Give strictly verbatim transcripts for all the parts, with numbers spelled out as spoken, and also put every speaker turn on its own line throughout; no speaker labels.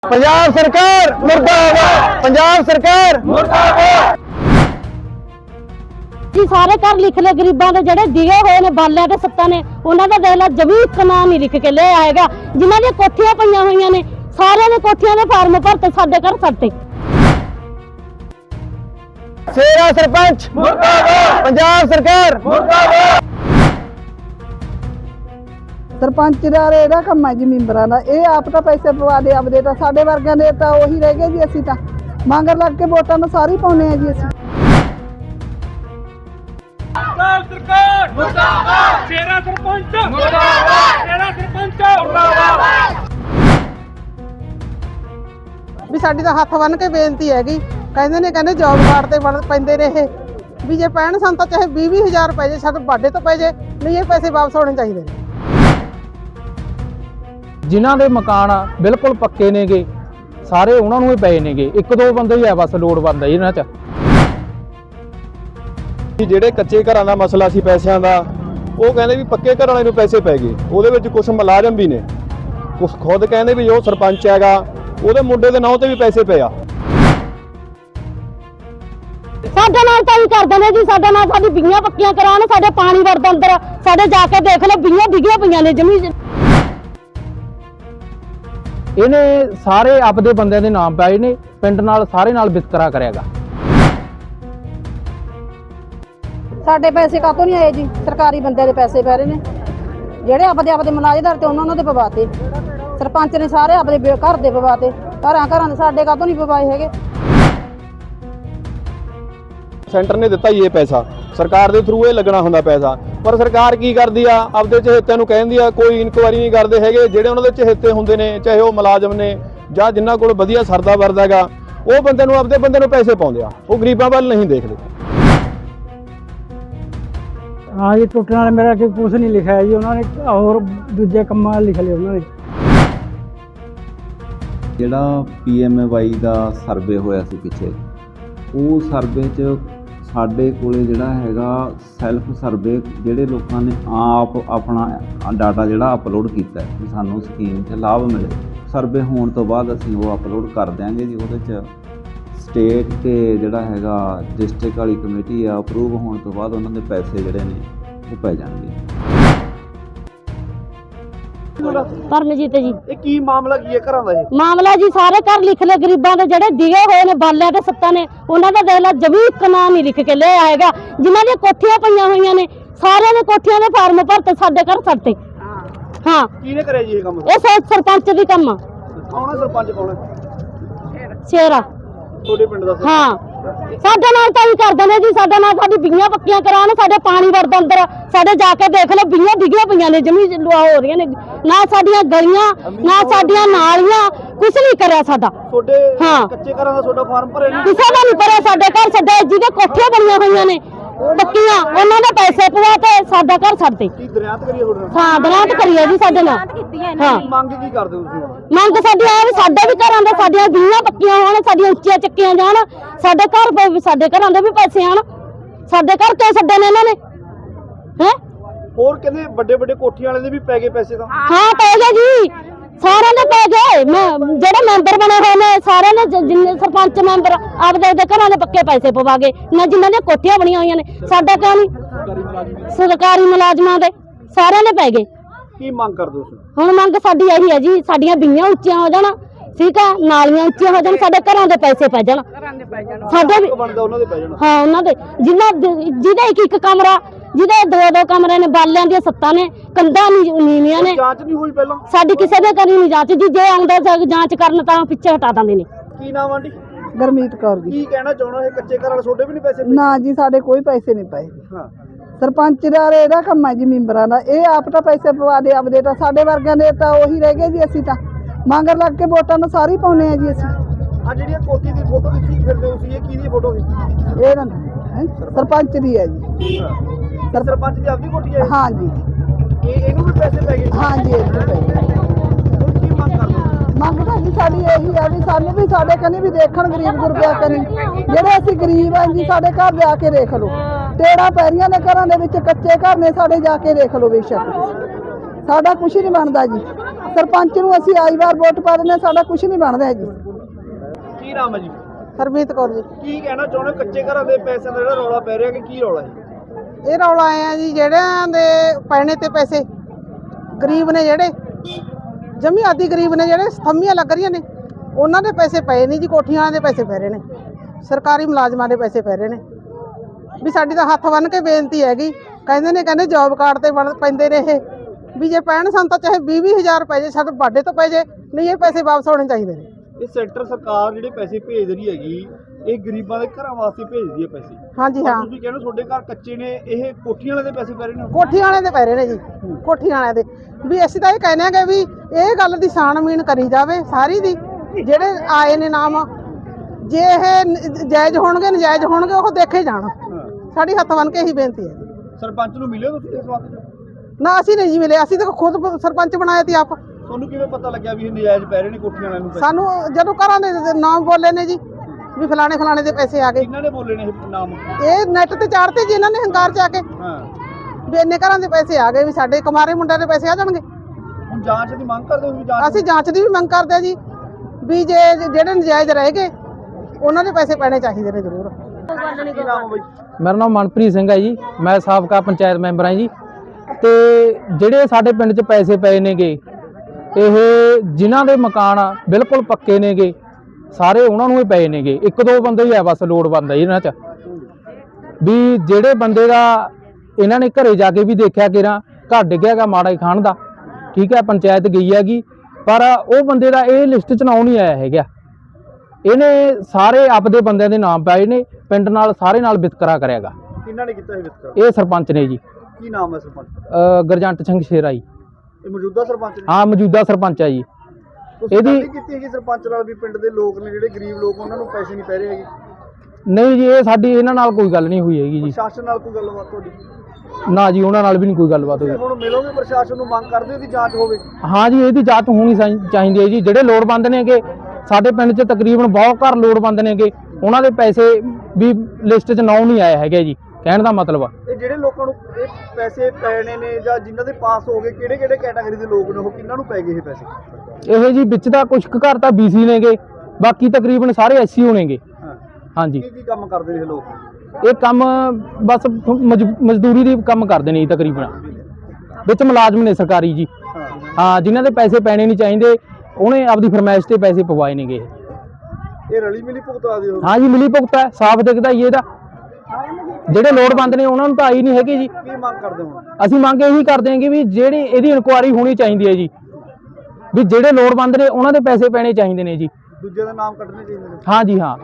पंजाब सरकार मुर्दाबाद, पंजाब सरकार मुर्दाबाद।
जी सारे घर लिख ले गरीबां दे जेड़े दिए होए ने बालियां ते सत्तां ने उन्हां दा देख ला जमीन कना नहीं लिख के ले आएगा। जिन्हां दी कोठियां पईयां होईयां ने सारे ने कोठियां दे फार्म भरते साडे घर सट्टे।
शेरा सरपंच मुर्दाबाद, पंजाब सरकार मुर्दाबाद।
सरपंच ਦਾ ਇਹਦਾ ਕੰਮ ਹੈ ਜੀ ਮੈਂਬਰਾਂ ਦਾ। ਇਹ ਆਪ ਤਾਂ ਪੈਸੇ ਪਵਾ ਦੇ ਆਪਦੇ ਤਾਂ ਸਾਡੇ ਵਰਗਿਆਂ ਦੇ ਤਾਂ ਉਹੀ ਰਹਿ ਗਏ ਜੀ। ਅਸੀਂ ਤਾਂ ਮੰਗਰ ਲੱਗ ਕੇ ਵੋਟਾਂ ਨੂੰ ਸਾਰੀ ਪਾਉਨੇ ਆ ਜੀ ਅਸੀਂ।
ਪੰਜਾਬ ਸਰਕਾਰ ਮੁਰਦਾਬਾਦ, ਸ਼ੇਰਾ ਸਰਪੰਚ ਮੁਰਦਾਬਾਦ, ਸ਼ੇਰਾ ਸਰਪੰਚ ਮੁਰਦਾਬਾਦ।
ਵੀ ਸਾਡੀ ਤਾਂ ਹੱਥ ਬੰਨ ਕੇ ਬੇਨਤੀ ਹੈਗੀ। ਕਹਿੰਦੇ ਨੇ ਕਹਿੰਦੇ ਜੌਬ ਕਾਰਡ ਤੇ ਬਣ ਪੈਂਦੇ ਰਹੇ ਵੀ ਜੇ ਪੈਣ ਸਾਨੂੰ ਤਾਂ ਚਾਹੇ ਵੀਹ ਵੀਹ ਹਜ਼ਾਰ ਪੈ ਜੇ ਸਾਨੂੰ ਬਾਡੇ ਤੋਂ ਪੈ ਜੇ, ਨਹੀਂ ਇਹ ਪੈਸੇ ਵਾਪਸ ਹੋਣੇ ਚਾਹੀਦੇ ਨੇ।
जिन्हां दे मकान बिल्कुल पक्के नेगे सारे उन्हां नूं ही पए नेगे। एक दो बंदे ही है बस लोड़वंद है इन्हां च।
ਜਿਹੜੇ ਕੱਚੇ ਘਰਾਂ ਦਾ ਮਸਲਾ ਸੀ ਪੈਸਿਆਂ ਦਾ, ਉਹ ਕਹਿੰਦੇ ਵੀ ਪੱਕੇ ਘਰਾਂ ਵਾਲੇ ਨੂੰ ਪੈਸੇ ਪੈ ਗਏ। ਉਹਦੇ ਵਿੱਚ ਕੁਝ ਮੁਲਾਜ਼ਮ ਵੀ ਨੇ, ਕੁਝ ਖੁਦ ਕਹਿੰਦੇ ਵੀ ਉਹ ਸਰਪੰਚ ਹੈਗਾ ਉਹਦੇ ਮੁੰਡੇ ਦੇ ਨਾਂ ਤੇ ਵੀ ਪੈਸੇ ਪਏ ਆ।
ਸਾਡੇ ਨਾਲ ਤਾਂ ਹੀ ਕਰਦੇ ਨੇ ਜੀ। ਸਾਡੇ ਨਾਲ ਸਾਡੀ ਬੀਆਂ ਪੱਕੀਆਂ ਕਰਾਉਣ, ਸਾਡੇ ਪਾਣੀ ਵਰਦਾ ਅੰਦਰ ਸਾਡੇ ਜਾ ਕੇ ਦੇਖ ਲਓ ਬੀਆਂ ਡਿੱਗੀਆਂ ਪਈਆਂ ਨੇ ਜ਼ਮੀਨ।
ਇਹਨੇ ਸਾਰੇ ਆਪਦੇ ਬੰਦਿਆਂ ਦੇ ਨਾਮ ਪਾਏ ਨੇ, ਪਿੰਡ ਨਾਲ ਸਾਰੇ ਨਾਲ ਵਿਤਕਰਾ ਕਰਿਆਗਾ।
ਸਾਡੇ ਪੈਸੇ ਕਾਹਤੋਂ ਨਹੀਂ ਆਏ ਜੀ? ਸਰਕਾਰੀ ਬੰਦੇ ਦੇ ਪੈਸੇ ਪੈ ਰਹੇ ਨੇ ਜਿਹੜੇ ਆਪਦੇ ਆਪਦੇ ਮੁਲਾਜ਼ਮਦਾਰ ਤੇ ਉਹਨਾਂ ਦੇ ਪਵਾਤੇ। ਸਰਪੰਚ ਨੇ ਸਾਰੇ ਆਪਦੇ ਘਰ ਦੇ ਪਵਾਤੇ, ਘਰਾਂ ਘਰਾਂ ਦੇ ਸਾਡੇ ਕਾਹਤੋਂ ਨਹੀਂ ਪਵਾਏ ਹੈਗੇ।
ਸੈਂਟਰ ਨੇ ਦਿੱਤਾ ਹੀ ਇਹ ਪੈਸਾ, ਸਰਕਾਰ ਦੇ ਥਰੂ ਇਹ ਲੱਗਣਾ ਹੁੰਦਾ ਪੈਸਾ, ਪਰ ਸਰਕਾਰ ਕੀ ਕਰਦੀ ਆ? ਆਪਦੇ ਚਹੇਤਿਆਂ ਨੂੰ ਕਹਿੰਦੀ ਆ ਕੋਈ ਇਨਕੁਆਇਰੀ ਨਹੀਂ ਕਰਦੇ ਹੈਗੇ। ਜਿਹੜੇ ਉਹਨਾਂ ਦੇ ਚਹੇਤੇ ਹੁੰਦੇ ਨੇ, ਚਾਹੇ ਉਹ ਮੁਲਾਜ਼ਮ ਨੇ ਜਾਂ ਜਿਨ੍ਹਾਂ ਕੋਲ ਵਧੀਆ ਸਰਦਾ ਵਰਦਾ ਹੈਗਾ, ਉਹ ਬੰਦੇ ਨੂੰ ਆਪਦੇ ਬੰਦੇ ਨੂੰ ਪੈਸੇ ਪਾਉਂਦੇ ਆ, ਉਹ ਗਰੀਬਾਂ ਵੱਲ ਨਹੀਂ ਦੇਖਦੇ।
हाँ जी, टुटने वाले मेरा कि कुछ नहीं लिखा है जी उन्होंने, और दूजे कम्मा लिख लिया उन्होंने।
ਜਿਹੜਾ ਪੀ ਐਮ ਏ ਵਾਈ ਦਾ ਸਰਵੇ ਹੋਇਆ ਸੀ ਪਿੱਛੇ, ਉਹ ਸਰਵੇ 'ਚ ਸਾਡੇ ਕੋਲੇ ਜਿਹੜਾ ਹੈਗਾ ਸੈਲਫ ਸਰਵੇ ਜਿਹੜੇ ਲੋਕਾਂ ਨੇ ਆਪ ਆਪਣਾ ਡਾਟਾ ਜਿਹੜਾ ਅਪਲੋਡ ਕੀਤਾ ਵੀ ਸਾਨੂੰ ਸਕੀਮ 'ਚ ਲਾਭ ਮਿਲੇ। ਸਰਵੇ ਹੋਣ ਤੋਂ ਬਾਅਦ ਅਸੀਂ ਉਹ ਅਪਲੋਡ ਕਰ ਦਿਆਂਗੇ ਜੀ। ਉਹਦੇ 'ਚ ਸਟੇਟ ਤੇ ਜਿਹੜਾ ਹੈਗਾ ਡਿਸਟ੍ਰਿਕਟ ਵਾਲੀ ਕਮੇਟੀ ਆ ਅਪਰੂਵ ਹੋਣ ਤੋਂ ਬਾਅਦ ਉਹਨਾਂ ਦੇ ਪੈਸੇ ਜਿਹੜੇ ਨੇ ਉਹ ਪੈ ਜਾਣਗੇ।
ਪਰਮਜੀਤ ਜੀ।
ਇਹ ਕੀ ਮਾਮਲਾ ਕੀ ਹੈ ਘਰਾਂ ਦਾ? ਇਹ
ਮਾਮਲਾ ਜੀ ਸਾਰੇ ਘਰ ਲਿਖ ਲੈ ਗਰੀਬਾਂ ਦੇ ਜਿਹੜੇ ਦਿਏ ਹੋਏ ਨੇ ਬਾਲਿਆਂ ਤੇ ਸੱਤਾਂ ਨੇ ਉਹਨਾਂ ਦਾ ਦੇਖ ਲਾ ਜ਼ਮੀਨ ਕਨਾ ਨਹੀਂ ਲਿਖ ਕੇ ਲੈ ਆਏਗਾ। ਜਿਨ੍ਹਾਂ ਦੀਆਂ ਕੋਠੀਆਂ ਪਈਆਂ ਹੋਈਆਂ ਨੇ ਸਾਰਿਆਂ ਨੇ ਕੋਠੀਆਂ ਦੇ ਫਾਰਮ ਭਰਤੇ ਸਾਡੇ ਘਰ ਸੱਟੇ। ਹਾਂ,
ਕਿਹਨੇ ਕਰਿਆ ਜੀ ਇਹ ਕੰਮ?
ਇਹ ਸਰ- ਸਰਪੰਚ ਦੀ ਕੰਮ ਆ।
ਕੌਣ ਹੈ ਸਰਪੰਚ? ਕੌਣ ਹੈ
ਸ਼ੇਰਾ।
ਤੁਹਾਡੇ ਪਿੰਡ ਦਾ?
ਹਾਂ, ਸਾਡੇ ਨਾਲ ਤਾਂ ਹੀ ਕਰਦੇ ਨੇ ਜੀ। ਸਾਡੇ ਨਾਲ ਸਾਡੀ ਬੀਆਂ ਪੱਕੀਆਂ ਕਰਾਉਣ, ਸਾਡੇ ਪਾਣੀ ਵਰਦਾ ਅੰਦਰ ਸਾਡੇ ਜਾ ਕੇ ਦੇਖ ਲਓ ਬੀਆਂ ਡਿੱਗੀਆਂ ਪਈਆਂ ਨੇ ਜ਼ਮੀਨ ਲੁਆ ਹੋ ਰਹੀਆਂ ਨੇ। ਨਾ ਸਾਡੀਆਂ ਗਲੀਆਂ ਨਾ ਸਾਡੀਆਂ ਨਾਲੀਆਂ ਕੁਛ ਨਹੀਂ ਕਰਿਆ ਸਾਡਾ।
ਤੁਹਾਡੇ
ਹਾਂ।
ਕੱਚੇ ਘਰਾਂ ਦਾ ਤੁਹਾਡਾ ਫਾਰਮ ਭਰੇ ਨੇ?
ਕਿਸੇ ਦਾ ਨਹੀਂ ਭਰਿਆ ਸਾਡੇ ਘਰ। ਸਾਡੇ ਜਿਹਦੇ ਕੋਠੀਆਂ ਬਣੀਆਂ ਹੋਈਆਂ ਨੇ ਪੱਕੀਆਂ ਉਹਨਾਂ ਦੇ ਪੈਸੇ ਪਵਾ ਤੇ ਸਾਡਾ ਘਰ ਛੱਡਦੇ।
ਕੀ ਦਰਿਆਤ ਕਰੀਏ ਤੁਹਾਡੇ ਨਾਲ?
ਹਾਂ, ਦਰਾਂਤ ਕਰੀਏ ਜੀ ਸਾਡੇ ਨਾਲ। ਹਾਂ,
ਮੰਗ ਕੀ ਕਰਦੇ ਹੋ ਤੁਸੀਂ?
ਮੰਗ ਸਾਡੀ ਆ ਵੀ ਸਾਡੇ ਵੀ ਘਰਾਂ ਦੇ ਸਾਡੀਆਂ ਬੀਆਂ ਪੱਕੀਆਂ ਹੋਣ, ਸਾਡੀਆਂ ਉੱਚੀਆਂ ਚੱਕੀਆਂ ਜਾਣ, ਸਾਡੇ ਘਰ ਪਏ ਵੀ ਸਾਡੇ ਘਰਾਂ ਦੇ ਵੀ ਪੈਸੇ ਆਣ। ਸਾਡੇ ਘਰ ਕਿਉਂ ਛੱਡੇ ਨੇ ਇਹਨਾਂ ਨੇ? ਹੈ
ਹੋਰ ਕਹਿੰਦੇ ਵੱਡੇ ਵੱਡੇ ਕੋਠੀਆਂ ਵਾਲੇ ਦੇ ਵੀ ਪੈ ਗਏ ਪੈਸੇ ਤਾਂ?
ਹਾਂ, ਪੈ ਗਏ ਜੀ, ਸਾਰਿਆਂ ਦੇ ਪੈ ਗਏ। ਮੈਂ ਜਿਹੜੇ ਮੈਂਬਰ ਬਣੇ ਹੋਏ ਨੇ ਸਾਰਿਆਂ ਨੇ ਜ- ਜਿੰਨੇ ਸਰਪੰਚ ਮੈਂਬਰ ਆਪਦੇ ਆਪਦੇ ਘਰਾਂ ਦੇ ਪੱਕੇ ਪੈਸੇ ਪਵਾ ਗਏ ਨਾ। ਜਿਨ੍ਹਾਂ ਦੀਆਂ ਕੋਠੀਆਂ ਬਣੀਆਂ ਹੋਈਆਂ ਨੇ ਸਾਡਾ ਕਿਉਂ ਨਹੀਂ? ਸਰਕਾਰੀ ਮੁਲਾਜ਼ਮਾਂ ਦੇ ਸਾਰਿਆਂ ਨੇ ਪੈ ਗਏ।
ਕੀ ਮੰਗ ਕਰਦੇ ਹੋ ਤੁਸੀਂ?
ਹੁਣ ਮੰਗ ਸਾਡੀ ਇਹੀ ਹੈ ਜੀ, ਸਾਡੀਆਂ ਬੀਆਂ ਉੱਚੀਆਂ ਹੋ ਜਾਣ, ਠੀਕ ਆ, ਨਾਲੀਆਂ ਉੱਚੀਆਂ ਹੋ ਜਾਣ, ਸਾਡੇ ਘਰਾਂ ਦੇ ਪੈਸੇ ਪੈ ਜਾਣ। ਸਾਡੇ ਵੀ
ਬਣਦਾ ਉਹਨਾਂ ਦੇ ਪੈ ਜਾਣ।
ਹਾਂ, ਉਹਨਾਂ ਦੇ ਜਿਨ੍ਹਾਂ ਜਿਹਦੇ ਇੱਕ ਇੱਕ ਕਮਰਾ, ਜਿਹਦੇ ਦੋ ਦੋ ਕਮਰੇ ਨੇ, ਬਾਲਿਆਂ ਦੀਆਂ ਸੱਤਾਂ ਨੇ, ਕੰਧਾਂ ਨੀਵੀਆਂ ਨੇ।
ਜਾਂਚ ਨਹੀਂ ਹੋਈ ਪਹਿਲਾਂ?
ਸਾਡੀ ਕਿਸੇ ਦੇ ਕਰੀ ਨਹੀਂ ਜਾਂਚ ਜੀ। ਜੇ ਆਉਂਦਾ ਜਾਂਚ ਕਰਨ ਤਾਂ ਪਿੱਛੇ ਹਟਾ ਦਿੰਦੇ ਨੇ।
ਕੀ ਨਾਮ ਆਂਟੀ?
ਗਰਮੀਤ ਕੌਰ ਜੀ।
ਕੀ ਕਹਿਣਾ ਚਾਹਣਾ ਇਹ ਕੱਚੇ ਘਰ ਵਾਲੇ ਤੁਹਾਡੇ ਵੀ ਨਹੀਂ ਪੈਸੇ ਪਏ?
ਨਾ ਜੀ, ਸਾਡੇ ਕੋਈ ਪੈਸੇ ਨਹੀਂ ਪਏ।
ਹਾਂ।
ਸਰਪੰਚ ਦਾ ਇਹਦਾ ਕੰਮ ਹੈ ਜੀ ਮੈਂਬਰਾਂ ਦਾ। ਇਹ ਆਪ ਤਾਂ ਪੈਸੇ ਪਵਾ ਦੇ ਆਪਦੇ ਤਾਂ ਸਾਡੇ ਵਰਗਿਆਂ ਦੇ ਤਾਂ ਉਹੀ ਰਹਿ ਗਏ ਜੀ। ਅਸੀਂ ਤਾਂ ਮੰਗਰ ਲੱਗ ਕੇ ਵੋਟਾਂ ਨੂੰ ਸਾਰੀ ਪਾਉਨੇ ਆ ਜੀ ਅਸੀਂ।
ਆ ਜਿਹੜੀ ਇਹ ਕੋਠੀ ਦੀ ਫੋਟੋ ਖਿੱਚੀ ਫਿਰਦੇ ਹੋ ਤੁਸੀਂ, ਇਹ ਕਿਹਦੀ ਫੋਟੋ ਸੀ?
ਇਹ ਨਾ ਹੈਂ? ਸਰਪੰਚ ਦੀ ਹੈ ਜੀ।
ਸਰ ਸਰਪੰਚ ਦੀ ਆਪਦੀ ਕੋਠੀ ਹੈ?
ਹਾਂ ਜੀ,
ਇਹ ਇਹਨੂੰ ਵੀ ਪੈਸੇ ਪੈ ਗਏ?
ਹਾਂ ਜੀ, ਇਹ ਵੀ ਪਏ।
ਹੁਣ ਕੀ ਮੰਗ ਕਰਦੇ ਹੋ?
ਮੰਗ ਤਾਂ ਜੀ ਸਾਡੀ ਇਹੀ ਆ ਵੀ ਸਾਨੂੰ ਵੀ ਸਾਡੇ ਕਨੀ ਵੀ ਦੇਖਣ ਗਰੀਬ ਗੁਰਬਿਆ ਕਨੀ, ਜਿਹੜੇ ਅਸੀਂ ਗਰੀਬ ਆਂ ਜੀ, ਸਾਡੇ ਘਰ ਜਾ ਕੇ ਦੇਖ ਲਓ। ਟੇੜਾ ਪੈਰੀਆਂ ਨੇ ਘਰਾਂ ਦੇ ਵਿੱਚ, ਕੱਚੇ ਘਰ ਨੇ ਸਾਡੇ, ਜਾ ਕੇ ਦੇਖ ਲਓ ਬੇਸ਼ੱਕ। ਸਾਡਾ ਕੁਝ ਨਹੀਂ ਬਣਦਾ ਜੀ। ਸਰਪੰਚ ਨੂੰ ਅਸੀਂ ਆਈ ਵਾਰ ਵੋਟ ਪਾ ਦਿੰਦੇ, ਸਾਡਾ ਕੁਝ ਨਹੀਂ ਬਣਦਾ ਜੀ।
ਕੀ ਨਾਮ ਹੈ ਜੀ?
ਹਰਮੀਤ ਕੌਰ ਜੀ।
ਕੀ ਕਹਿਣਾ ਚਾਹੁੰਦੇ ਕੱਚੇ ਘਰਾਂ ਦੇ ਪੈਸਿਆਂ ਦਾ ਜਿਹੜਾ ਰੌਲਾ ਪੈ ਰਿਹਾ ਕਿ ਕੀ ਰੌਲਾ ਹੈ?
ਇਹ ਰੌਲਾ ਆਇਆ ਜੀ, ਜਿਹੜਿਆਂ ਦੇ ਪੈਣੇ ਤੇ ਪੈਸੇ ਗਰੀਬ ਨੇ, ਜਿਹੜੇ ਜਮੀ ਆਦੀ ਗਰੀਬ ਨੇ, ਜਿਹੜੇ ਸਥੰਮੀਆਂ ਲੱਗ ਰਹੀਆਂ ਨੇ, ਉਹਨਾਂ ਦੇ ਪੈਸੇ ਪਏ ਨਹੀਂ ਜੀ। ਕੋਠੀਆਂ ਵਾਲਿਆਂ ਦੇ ਪੈਸੇ ਪੈ ਰਹੇ ਨੇ, ਸਰਕਾਰੀ ਮੁਲਾਜ਼ਮਾਂ ਦੇ ਪੈਸੇ ਪੈ ਰਹੇ ਨੇ। ਵੀ ਸਾਡੀ ਤਾਂ ਹੱਥ ਬੰਨ੍ਹ ਕੇ ਬੇਨਤੀ ਹੈਗੀ, ਕਹਿੰਦੇ ਨੇ ਕਹਿੰਦੇ ਜੌਬ ਕਾਰਡ ਤੇ ਬਣ ਪੈਂਦੇ ਨੇ ਇਹ, ਵੀ ਜੇ ਪੈਣ ਸਾਨੂੰ ਤਾਂ ਚਾਹੇ ਵੀਹ ਵੀਹ ਹਜ਼ਾਰ ਪੈ ਜੇ, ਸਾਡੇ ਬਾਡੇ ਤੋਂ ਪੈ ਜੇ, ਨਹੀਂ ਇਹ ਪੈਸੇ ਵਾਪਸ ਹੋਣੇ ਚਾਹੀਦੇ ਨੇ।
ਇਹ ਸੈਂਟਰ ਸਰਕਾਰ ਜਿਹੜੇ ਪੈਸੇ ਭੇਜ ਰਹੀ ਹੈਗੀ, ਇਹ ਗਰੀਬਾਂ ਦੇ ਘਰਾਂ ਵਾਸਤੇ ਭੇਜਦੀ ਹੈ ਪੈਸੇ।
ਹਾਂਜੀ ਹਾਂ,
ਤੁਸੀਂ ਕਹਿੰਦੇ ਤੁਹਾਡੇ ਘਰ ਕੱਚੇ ਨੇ, ਇਹ ਕੋਠੀਆਂ ਵਾਲੇ ਦੇ ਪੈਸੇ ਪੈ ਰਹੇ ਨੇ?
ਕੋਠੀਆਂ ਵਾਲਿਆਂ ਦੇ ਪੈ ਰਹੇ ਨੇ ਜੀ, ਕੋਠੀਆਂ ਵਾਲਿਆਂ ਦੇ। ਵੀ ਅਸੀਂ ਤਾਂ ਇਹ ਕਹਿੰਦੇ ਆਂਗੇ ਵੀ ਇਹ ਗੱਲ ਦੀ ਛਾਣਬੀਣ ਕਰੀ ਜਾਵੇ ਸਾਰੀ ਦੀ, ਜਿਹੜੇ ਆਏ ਨੇ ਨਾਮ, ਜੇ ਇਹ ਜਾਇਜ਼ ਹੋਣਗੇ ਨਜਾਇਜ਼ ਹੋਣਗੇ ਉਹ ਦੇਖੇ ਜਾਣ। ਸਾਡੀ ਹੱਥ ਬੰਨ੍ਹ ਕੇ ਇਹੀ ਬੇਨਤੀ ਹੈ।
ਸਰਪੰਚ ਨੂੰ ਮਿਲਿਓ ਤੁਸੀਂ ਇਸ ਵਕਤ?
ਨਾ ਅਸੀਂ ਨਹੀਂ ਜੀ ਮਿਲੇ, ਅਸੀਂ ਤਾਂ ਖੁਦ ਸਰਪੰਚ ਬਣਾਇਆ ਸੀ ਆਪ।
ਤੁਹਾਨੂੰ ਕਿਵੇਂ ਪਤਾ ਲੱਗਿਆ ਵੀ ਇਹ ਨਜਾਇਜ਼ ਪੈ ਰਹੇ ਨੇ ਕੋਠੀਆਂ ਵਾਲਿਆਂ ਨੂੰ ਪੈਸੇ?
ਸਾਨੂੰ ਜਦੋਂ ਘਰਾਂ ਦੇ ਨਾਮ ਬੋਲੇ ਨੇ ਜੀ, ਵੀ ਫਲਾਣੇ ਫਲਾਣੇ ਦੇ ਪੈਸੇ ਆ ਗਏ।
ਕਿਹਨਾਂ ਨੇ ਬੋਲੇ ਨੇ ਇਹ ਨਾਮ?
ਇਹ ਨੈਟ ਤੇ ਚਾੜਤੇ ਜੀ ਇਹਨਾਂ ਨੇ ਹੰਕਾਰ ਚ ਆ ਕੇ,
ਹਾਂ,
ਵੀ ਇੰਨੇ ਘਰਾਂ ਦੇ ਪੈਸੇ ਆ ਗਏ, ਵੀ ਸਾਡੇ ਕੁਮਾਰੇ ਮੁੰਡਿਆਂ ਦੇ ਪੈਸੇ ਆ ਜਾਣਗੇ।
ਹੁਣ ਜਾਂਚ ਦੀ ਮੰਗ ਕਰਦੇ ਹੋ? ਵੀ ਜਾਂਚ
ਅਸੀਂ ਜਾਂਚ ਦੀ ਵੀ ਮੰਗ ਕਰਦੇ ਹਾਂ ਜੀ, ਵੀ ਜੇ ਜਿਹੜੇ ਨਜਾਇਜ਼ ਰਹਿ ਗਏ ਉਹਨਾਂ ਦੇ ਪੈਸੇ ਪੈਣੇ ਚਾਹੀਦੇ ਨੇ ਜ਼ਰੂਰ।
ਕੀ ਨਾਮ ਹੈ ਬਾਈ?
ਮੇਰਾ ਨਾਮ ਮਨਪ੍ਰੀਤ ਸਿੰਘ ਹੈ ਜੀ, ਮੈਂ ਸਾਬਕਾ ਪੰਚਾਇਤ ਮੈਂਬਰ ਹਾਂ ਜੀ। ਤੇ ਜਿਹੜੇ ਸਾਡੇ ਪਿੰਡ 'ਚ ਪੈਸੇ ਪਏ ਨੇਗੇ, ਇਹ ਜਿਨ੍ਹਾਂ ਦੇ ਮਕਾਨ ਬਿਲਕੁਲ ਪੱਕੇ ਨੇਗੇ, ਸਾਰੇ ਉਹਨਾਂ ਨੂੰ ਹੀ ਪਏ ਨੇਗੇ। ਇੱਕ ਦੋ ਬੰਦੇ ਹੀ ਆ ਬਸ ਲੋੜਵੰਦ ਆ ਜੀ ਇਹਨਾਂ 'ਚ, ਵੀ ਜਿਹੜੇ ਬੰਦੇ ਦਾ ਇਹਨਾਂ ਨੇ ਘਰੇ ਜਾ ਕੇ ਵੀ ਦੇਖਿਆ ਕਿ ਨਾ ਘਰ ਡਿੱਗਿਆਗਾ ਮਾੜਾ ਹੀ ਖਾਣ ਦਾ, ਠੀਕ ਹੈ, ਪੰਚਾਇਤ ਗਈ ਹੈਗੀ, ਪਰ ਉਹ ਬੰਦੇ ਦਾ ਇਹ ਲਿਸਟ 'ਚ ਨਾਮ ਨਹੀਂ ਆਇਆ ਹੈਗਾ। ਇਹਨੇ ਸਾਰੇ ਆਪਦੇ ਬੰਦਿਆਂ ਦੇ ਨਾਮ ਪਾਏ ਨੇ, ਪਿੰਡ ਨਾਲ ਸਾਰੇ ਨਾਲ ਵਿਤਕਰਾ ਕਰਿਆਗਾ।
ਕਿਹਨਾਂ ਨੇ ਕੀਤਾ ਇਹ ਵਿਤਕਰਾ?
ਇਹ ਸਰਪੰਚ ਨੇ ਜੀ,
ਕੀ ਨਾਮ ਹੈ ਸਰਪੰਚ?
ਅ, ਗੁਰਜੰਟ ਸਿੰਘ ਸ਼ੇਰਾ ਜੀ।
ਇਹ ਮੌਜੂਦਾ ਸਰਪੰਚ ਨੇ?
ਹਾਂ, ਮੌਜੂਦਾ ਸਰਪੰਚ ਆ ਜੀ।
ਤੁਸੀਂ
ਇਹਦੀ-
ਗੱਲ ਨਹੀਂ ਕੀਤੀ ਹੈਗੀ ਸਰਪੰਚ ਨਾਲ ਵੀ ਪਿੰਡ ਦੇ ਲੋਕ ਨੇ ਜਿਹੜੇ ਗਰੀਬ ਲੋਕ, ਉਹਨਾਂ ਨੂੰ ਪੈਸੇ ਨਹੀਂ ਪੈ ਰਹੇ ਹੈਗੇ?
ਨਹੀਂ ਜੀ, ਇਹ ਸਾਡੀ ਇਹਨਾਂ ਨਾਲ ਕੋਈ ਗੱਲ ਨਹੀਂ ਹੋਈ ਹੈਗੀ ਜੀ।
ਪ੍ਰਸ਼ਾਸਨ ਨਾਲ ਕੋਈ ਗੱਲਬਾਤ ਤੁਹਾਡੀ?
ਨਾ ਜੀ, ਉਹਨਾਂ ਨਾਲ ਵੀ ਨਹੀਂ ਕੋਈ ਗੱਲਬਾਤ ਹੋਈ।
ਤੁਸੀਂ ਹੁਣ ਮਿਲੋਗੇ ਪ੍ਰਸ਼ਾਸਨ ਨੂੰ, ਮੰਗ ਕਰਦੇ ਹੋ ਕਿ ਜਾਂਚ ਹੋਵੇ?
ਹਾਂ ਜੀ, ਇਹਦੀ ਜਾਂਚ ਹੋਣੀ ਚਾਹੀ- ਚਾਹੀਦੀ ਹੈ ਜੀ। ਜਿਹੜੇ ਲੋੜਵੰਦ ਨੇਗੇ ਸਾਡੇ ਪਿੰਡ 'ਚ ਤਕਰੀਬਨ ਬਹੁਤ ਘਰ ਲੋੜਵੰਦ ਨੇਗੇ, ਉਹਨਾਂ ਦੇ ਪੈਸੇ ਵੀ ਲਿਸਟ 'ਚ ਨਾਮ ਨਹੀਂ ਆਇਆ ਹੈਗਾ ਜੀ, ਕਹਿਣ ਦਾ ਮਤਲਬ ਆ।
ਇਹ ਜਿਹੜੇ ਲੋਕਾਂ ਨੂੰ ਇਹ ਪੈਸੇ ਪੈਣੇ ਨੇ ਜਾਂ ਜਿਨ੍ਹਾਂ ਦੇ ਪਾਸ ਹੋ ਗਏ, ਕਿਹੜੇ ਕਿਹੜੇ ਕੈਟਾਗਰੀ ਦੇ ਲੋਕ ਨੇ ਉਹ, ਕਿਹਨਾਂ ਨੂੰ ਪੈ ਗਏ ਇਹ ਪੈਸੇ?
ਇਹ ਜੀ ਵਿੱਚ ਦਾ ਕੁਝ ਕੁ ਘਰ ਤਾਂ ਬੀਸੀ ਨੇਗੇ, ਬਾਕੀ ਤਕਰੀਬਨ ਸਾਰੇ ਐਸਸੀ ਹੋਣਗੇ।
ਹਾਂ,
ਹਾਂਜੀ,
ਕੀ ਕੀ ਕੰਮ ਕਰਦੇ ਨੇ ਇਹ ਲੋਕ?
ਇਹ ਕੰਮ ਬਸ ਮਜ- ਮਜ਼ਦੂਰੀ ਦੀ ਕੰਮ ਕਰਦੇ ਨੇ ਜੀ ਤਕਰੀਬਨ। ਵਿੱਚ ਮੁਲਾਜ਼ਮ ਨੇ ਸਰਕਾਰੀ ਜੀ,
ਹਾਂ,
ਹਾਂ, ਜਿਨ੍ਹਾਂ ਦੇ ਪੈਸੇ ਪੈਣੇ ਨਹੀਂ ਚਾਹੀਦੇ, ਉਹਨੇ ਆਪਦੀ ਫਰਮਾਇਸ਼ ਤੇ ਪੈਸੇ ਪਵਾਏ ਨੇਗੇ।
ਇਹ ਰਲੀ ਮਿਲੀ ਭੁਗਤਾ ਦਿਓ?
ਹਾਂ ਜੀ, ਮਿਲੀ ਭੁਗਤ ਹੈ, ਸਾਫ਼ ਦਿਖਦਾ ਹੀ ਇਹਦਾ। ਜਿਹੜੇ ਲੋੜਵੰਦ ਨੇ ਉਹਨਾਂ ਨੂੰ ਤਾਂ ਆਈ ਨਹੀਂ ਹੈਗੀ ਜੀ।
ਕੀ ਮੰਗ ਕਰਦੇ ਹੋ?
ਅਸੀਂ ਮੰਗ ਇਹੀ ਕਰਦੇ ਹਾਂ ਕਿ ਵੀ ਜਿਹੜੀ ਇਹਦੀ ਇਨਕੁਆਇਰੀ ਹੋਣੀ ਚਾਹੀਦੀ ਹੈ ਜੀ, ਵੀ ਜਿਹੜੇ ਲੋੜਵੰਦ ਨੇ ਉਹਨਾਂ ਦੇ ਪੈਸੇ ਪੈਣੇ ਚਾਹੀਦੇ ਨੇ ਜੀ।
ਦੂਜਿਆਂ ਦਾ ਨਾਮ ਕੱਢਣੇ ਚਾਹੀਦੇ ਨੇ?
ਹਾਂ ਜੀ ਹਾਂ।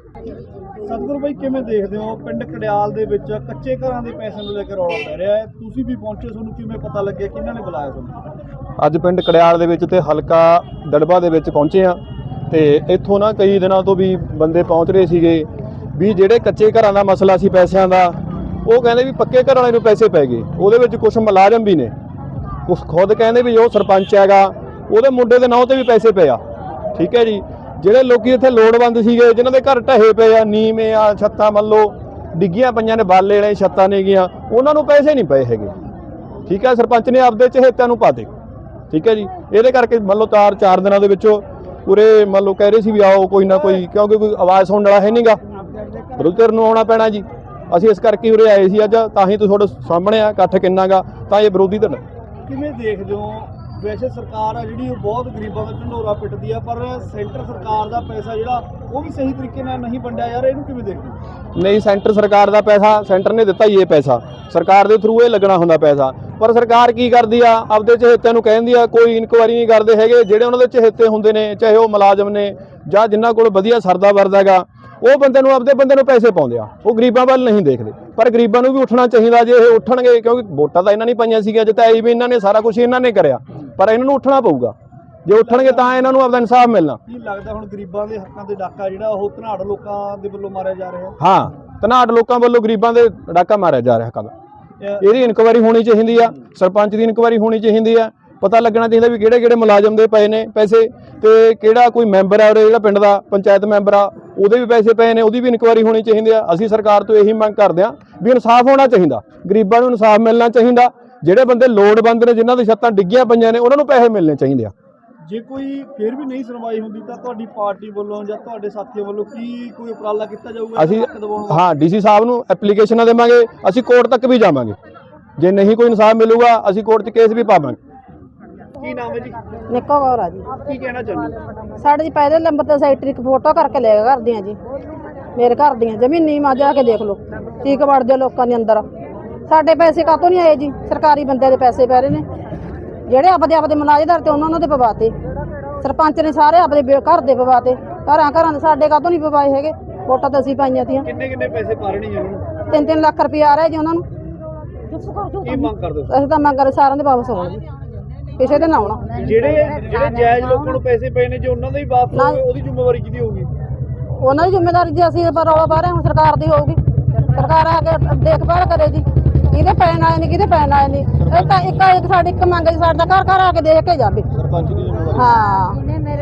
ਸਤਿਗੁਰੂ ਬਾਈ, ਕਿਵੇਂ ਦੇਖਦੇ ਹੋ ਪਿੰਡ ਕੜਿਆਲ ਦੇ ਵਿੱਚ ਕੱਚੇ ਘਰਾਂ ਦੇ ਪੈਸਿਆਂ ਨੂੰ ਲੈ ਕੇ ਰੌਲਾ ਪੈ ਰਿਹਾ ਹੈ? ਤੁਸੀਂ ਵੀ ਪਹੁੰਚੇ, ਤੁਹਾਨੂੰ ਕਿਵੇਂ ਪਤਾ ਲੱਗਿਆ, ਕਿਹਨਾਂ ਨੇ ਬੁਲਾਇਆ ਤੁਹਾਨੂੰ?
ਅੱਜ ਪਿੰਡ ਕੜਿਆਲ ਦੇ ਵਿੱਚ ਤੇ ਹਲਕਾ ਦੜਬਾ ਦੇ ਵਿੱਚ ਪਹੁੰਚੇ ਆ, ਤੇ ਇੱਥੋਂ ਨਾ ਕਈ ਦਿਨਾਂ ਤੋਂ ਵੀ ਬੰਦੇ ਪਹੁੰਚ ਰਹੇ ਸੀਗੇ ਵੀ ਜਿਹੜੇ ਕੱਚੇ ਘਰਾਂ ਦਾ ਮਸਲਾ ਸੀ ਪੈਸਿਆਂ ਦਾ, ਉਹ ਕਹਿੰਦੇ ਵੀ ਪੱਕੇ ਘਰ ਵਾਲੇ ਨੂੰ ਪੈਸੇ ਪੈ ਗਏ। ਉਹਦੇ ਵਿੱਚ ਕੁਝ ਮੁਲਾਜ਼ਮ ਵੀ ਨੇ, ਕੁਛ ਖੁਦ ਕਹਿੰਦੇ ਵੀ ਉਹ ਸਰਪੰਚ ਹੈਗਾ, ਉਹਦੇ ਮੁੰਡੇ ਦੇ ਨਾਂ ਤੇ ਵੀ ਪੈਸੇ ਪਏ ਆ, ਠੀਕ ਹੈ ਜੀ। ਜਿਹੜੇ ਲੋਕੀ ਇੱਥੇ ਲੋੜਵੰਦ ਸੀਗੇ, ਜਿਨ੍ਹਾਂ ਦੇ ਘਰ ਢਹੇ ਪਏ ਆ, ਨੀਵੇਂ ਆ, ਛੱਤਾਂ ਮੰਨ ਲਓ ਡਿੱਗੀਆਂ ਪਈਆਂ ਨੇ, ਬਾਲੇ ਵਾਲੇ ਛੱਤਾਂ ਨੇਗੀਆਂ, ਉਹਨਾਂ ਨੂੰ ਪੈਸੇ ਨਹੀਂ ਪਏ ਹੈਗੇ, ਠੀਕ ਹੈ। ਸਰਪੰਚ ਨੇ ਆਪਦੇ ਚਹੇਤਿਆਂ ਨੂੰ ਪਾਤੇ, ਠੀਕ ਹੈ ਜੀ। ਇਹਦੇ ਕਰਕੇ ਮੰਨ ਲਓ ਚਾਰ ਚਾਰ ਦਿਨਾਂ ਦੇ ਵਿੱਚੋਂ ਪੂਰੇ ਮੰਨ ਲਓ ਕਹਿ ਰਹੇ ਸੀ ਵੀ ਆਓ ਕੋਈ ਨਾ ਕੋਈ, ਕਿਉਂਕਿ ਕੋਈ ਆਵਾਜ਼ ਸੁਣਨ ਵਾਲਾ ਹੈ ਨਹੀਂਗਾ, ਵਿਰੋਧੀ ਨੂੰ ਆਉਣਾ ਪੈਣਾ ਜੀ। ਅਸੀਂ ਇਸ ਕਰਕੇ ਉਰੇ ਆਏ ਸੀ ਅੱਜ, ਤਾਂ ਹੀ ਤੁਹਾਡੇ ਸਾਹਮਣੇ ਆ ਇਕੱਠ ਕਿੰਨਾਗਾ, ਤਾਂ ਇਹ ਵਿਰੋਧੀ ਧਿਰ।
ਕਿਵੇਂ ਦੇਖਦੇ ਹੋ? ਵੈਸੇ ਸਰਕਾਰ ਆ ਜਿਹੜੀ ਉਹ ਬਹੁਤ ਗਰੀਬਾਂ ਦਾ ਢੰਡੋਰਾ ਪਿੱਟਦੀ ਆ, ਪਰ ਸੈਂਟਰ ਸਰਕਾਰ ਦਾ ਪੈਸਾ ਜਿਹੜਾ ਉਹ ਵੀ ਸਹੀ ਤਰੀਕੇ ਨਾਲ ਨਹੀਂ ਵੰਡਿਆ ਯਾਰ, ਇਹਨੂੰ ਕਿਵੇਂ ਦੇਖਦੇ ਹੋ?
ਨਹੀਂ, ਸੈਂਟਰ ਸਰਕਾਰ ਦਾ ਪੈਸਾ ਸੈਂਟਰ ਨੇ ਦਿੱਤਾ ਹੀ ਇਹ ਪੈਸਾ, ਸਰਕਾਰ ਦੇ ਥਰੂ ਇਹ ਲੱਗਣਾ ਹੁੰਦਾ ਪੈਸਾ, ਪਰ ਸਰਕਾਰ ਕੀ ਕਰਦੀ ਆ, ਆਪਦੇ ਚਹੇਤਿਆਂ ਨੂੰ ਕਹਿੰਦੀ ਆ, ਕੋਈ ਇਨਕੁਆਇਰੀ ਨਹੀਂ ਕਰਦੇ ਹੈਗੇ। ਜਿਹੜੇ ਉਹਨਾਂ ਦੇ ਚਹੇਤੇ ਹੁੰਦੇ ਨੇ, ਚਾਹੇ ਉਹ ਮੁਲਾਜ਼ਮ ਨੇ ਜਾਂ ਜਿਨ੍ਹਾਂ ਕੋਲ ਵਧੀਆ ਸਰਦਾ ਵਰਦਾ ਹੈਗਾ, ਉਹ ਬੰਦੇ ਨੂੰ ਆਪਦੇ ਬੰਦੇ ਨੂੰ ਪੈਸੇ ਪਾਉਂਦੇ ਆ, ਉਹ ਗਰੀਬਾਂ ਵੱਲ ਨਹੀਂ ਦੇਖਦੇ। ਪਰ ਗਰੀਬਾਂ ਨੂੰ ਵੀ ਉੱਠਣਾ ਚਾਹੀਦਾ, ਜੇ ਇਹ ਉੱਠਣਗੇ, ਕਿਉਂਕਿ ਵੋਟਾਂ ਤਾਂ ਇਹਨਾਂ ਨੇ ਪਾਈਆਂ ਸੀਗੀਆਂ, ਜਿਤਾਈ ਵੀ ਇਹਨਾਂ ਨੇ, ਸਾਰਾ ਕੁਝ ਇਹਨਾਂ ਨੇ ਕਰਿਆ, ਪਰ ਇਹਨਾਂ ਨੂੰ ਉੱਠਣਾ ਪਊਗਾ। ਜੇ ਉੱਠਣਗੇ ਤਾਂ ਇਹਨਾਂ ਨੂੰ ਆਪਦਾ ਇਨਸਾਫ ਮਿਲਣਾ।
ਕੀ ਲੱਗਦਾ ਹੁਣ ਗਰੀਬਾਂ ਦੇ ਹੱਕਾਂ ਤੇ ਡਾਕਾ ਜਿਹੜਾ ਉਹ ਧਨਾੜ ਲੋਕਾਂ ਦੇ ਵੱਲੋਂ ਮਾਰਿਆ ਜਾ ਰਿਹਾ?
ਹਾਂ, ਧਨਾੜ ਲੋਕਾਂ ਵੱਲੋਂ ਗਰੀਬਾਂ ਦੇ ਡਾਕਾ ਮਾਰਿਆ ਜਾ ਰਿਹਾ ਹੱਕਾਂ ਦਾ। ਇਹਦੀ ਇਨਕੁਆਇਰੀ ਹੋਣੀ ਚਾਹੀਦੀ ਆ, ਸਰਪੰਚ ਦੀ ਇਨਕੁਆਇਰੀ ਹੋਣੀ ਚਾਹੀਦੀ ਆ, ਪਤਾ ਲੱਗਣਾ ਚਾਹੀਦਾ ਵੀ ਕਿਹੜੇ ਕਿਹੜੇ ਮੁਲਾਜ਼ਮ ਦੇ ਪਏ ਨੇ ਪੈਸੇ, ਤੇ ਕਿਹੜਾ ਕੋਈ ਮੈਂਬਰ ਆ ਉਰੇ ਜਿਹੜਾ ਪਿੰਡ ਦਾ ਪੰਚਾਇਤ ਮੈਂਬਰ ਆ, ਉਹਦੇ ਵੀ ਪੈਸੇ ਪਏ ਨੇ, ਉਹਦੀ ਵੀ ਇਨਕੁਆਇਰੀ ਹੋਣੀ ਚਾਹੀਦੀ ਆ। ਅਸੀਂ ਸਰਕਾਰ ਤੋਂ ਇਹੀ ਮੰਗ ਕਰਦੇ ਆ ਵੀ ਇਨਸਾਫ ਹੋਣਾ ਚਾਹੀਦਾ, ਗਰੀਬਾਂ ਨੂੰ ਇਨਸਾਫ ਮਿਲਣਾ ਚਾਹੀਦਾ। ਜਿਹੜੇ ਬੰਦੇ ਲੋੜਵੰਦ ਨੇ, ਜਿਨ੍ਹਾਂ ਦੀ ਛੱਤਾਂ ਡਿੱਗੀਆਂ ਪਈਆਂ ਨੇ, ਉਹਨਾਂ ਨੂੰ ਪੈਸੇ ਮਿਲਣੇ ਚਾਹੀਦੇ ਆ।
ਜੇ ਕੋਈ ਫਿਰ ਵੀ ਨਹੀਂ ਸੁਣਵਾਈ ਹੁੰਦੀ ਤਾਂ ਤੁਹਾਡੀ ਪਾਰਟੀ ਵੱਲੋਂ ਜਾਂ ਤੁਹਾਡੇ ਸਾਥੀਆਂ ਵੱਲੋਂ ਕੀ ਕੋਈ ਉਪਰਾਲਾ ਕੀਤਾ ਜਾਊਗਾ?
ਅਸੀਂ
ਹੱਕ ਦਿਵਾਉਣ ਵਾਸਤੇ?
ਹਾਂ ਡੀਸੀ ਸਾਹਿਬ ਨੂੰ ਐਪਲੀਕੇਸ਼ਨਾਂ ਦੇਵਾਂਗੇ, ਅਸੀਂ ਕੋਰਟ ਤੱਕ ਵੀ ਜਾਵਾਂਗੇ। ਜੇ ਨਹੀਂ ਕੋਈ ਇਨਸਾਫ ਮਿਲੂਗਾ ਅਸੀਂ ਕੋਰਟ 'ਚ ਕੇਸ ਵੀ ਪਾਵਾਂਗੇ।
ਕੀ ਨਾਮ ਹੈ ਜੀ?
ਨਿੱਕੋ ਗੌਰ ਆ ਜੀ।
ਕੀ ਕਹਿਣਾ ਚਾਹੁੰਦੇ ਹੋ?
ਸਾਡੇ ਜੀ ਪਹਿਲੇ ਨੰਬਰ ਤੇ ਸੈਕਟਰੀ ਇੱਕ ਫੋਟੋ ਕਰਕੇ ਲੈ ਕੇ ਘਰ ਦੀਆਂ ਜੀ, ਮੇਰੇ ਘਰ ਦੀਆਂ ਜ਼ਮੀਨੀ ਮਾ ਜਾ ਕੇ ਦੇਖ ਲਓ, ਠੀਕ ਵੜਦੇ ਲੋਕਾਂ ਦੇ ਅੰਦਰ। ਸਾਡੇ ਪੈਸੇ ਕਾਹਤੋਂ ਨਹੀਂ ਆਏ ਜੀ? ਸਰਕਾਰੀ ਬੰਦਿਆਂ ਦੇ ਪੈਸੇ ਪੈ ਰਹੇ ਨੇ, ਜਿਹੜੇ ਆਪਦੇ ਆਪਦੇ ਮੁਲਾਜ਼ਮਦਾਰ ਤੇ ਉਹਨਾਂ ਉਹਨਾਂ ਦੇ ਪਵਾਤੇ। ਸਰਪੰਚ ਨੇ ਸਾਰੇ ਆਪਦੇ ਬੇ- ਘਰ ਦੇ ਪਵਾਤੇ, ਘਰਾਂ ਘਰਾਂ ਦੇ। ਸਾਡੇ ਕਾਹਤੋਂ ਨਹੀਂ ਪਵਾਏ ਹੈਗੇ? ਵੋਟਾਂ ਤਾਂ ਅਸੀਂ ਪਾਈਆਂ ਤੀਆਂ।
ਕਿੰਨੇ ਕਿੰਨੇ ਪੈਸੇ ਪਾ ਰਹੇ ਨੇ ਜੀ ਉਹਨਾਂ ਨੂੰ?
ਤਿੰਨ ਤਿੰਨ ਲੱਖ ਰੁਪਏ ਆ ਰਿਹਾ ਜੀ ਉਹਨਾਂ ਨੂੰ।
ਕੀ ਮੰਗ ਕਰਦੇ ਹੋ?
ਅਸੀਂ ਤਾਂ ਮੰਗ ਰਹੇ ਸਾਰਿਆਂ ਦੇ ਵਾਪਸ ਹੋਣ ਜੀ, ਕਿਸੇ ਦੇ ਨਾ ਆਉਣਾ।
ਜਿਹੜੇ ਜਿਹੜੇ ਜਾਇਜ਼ ਲੋਕਾਂ ਨੂੰ ਪੈਸੇ ਪਏ ਨੇ, ਜੇ ਉਹਨਾਂ ਦੇ ਹੀ ਵਾਪਸ
ਨਾ।
ਹੋਵੇ ਉਹਦੀ ਜ਼ਿੰਮੇਵਾਰੀ ਕਿਹਦੀ ਹੋਊਗੀ?
ਉਹਨਾਂ ਦੀ ਜ਼ਿੰਮੇਵਾਰੀ ਜੀ ਅਸੀਂ ਪਰ ਰੌਲਾ ਪਾ ਰਹੇ ਹਾਂ, ਸਰਕਾਰ ਦੀ ਹੋਊਗੀ। ਸਰਕਾਰ ਆ ਕੇ ਦੇਖਭਾਲ ਕਰੇ ਜੀ, ਕਿਹਦੇ ਪੈਣ ਆਏ ਨੇ ਕਿਹਦੇ ਪੈਣ ਆਏ ਨੇ। ਇਹ ਤਾਂ ਇੱਕ ਇੱਕ ਸਾਡੀ ਇੱਕ ਮੰਗ ਜੀ, ਸਾਡਾ ਘਰ ਘਰ ਆ ਕੇ ਦੇਖ ਕੇ ਜਾਵੇ।
ਸਰਪੰਚ ਦੀ ਜ਼ਿੰਮੇਵਾਰੀ।
ਹਾਂ